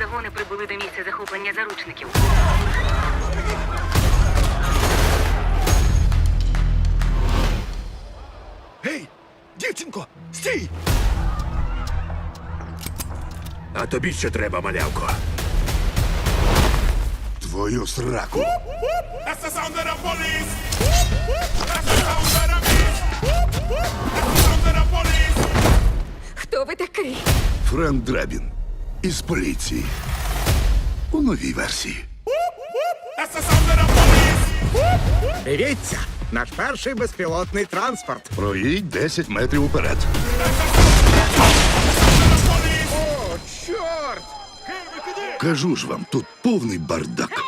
загони прибули до місця захоплення заручників. Гей, дівчинко, стій! А тобі що треба, малявко? Твою сраку. That's the sound of the police. That's the sound of the beast. That's the sound of the police. Хто ви такий? Френк Драбін із поліції. У новій версії. That's the sound of the police. Дивіться, наш перший безпілотний транспорт. Проїдь 10 метрів уперед. О, чорт! Кажу ж вам, тут повний бардак.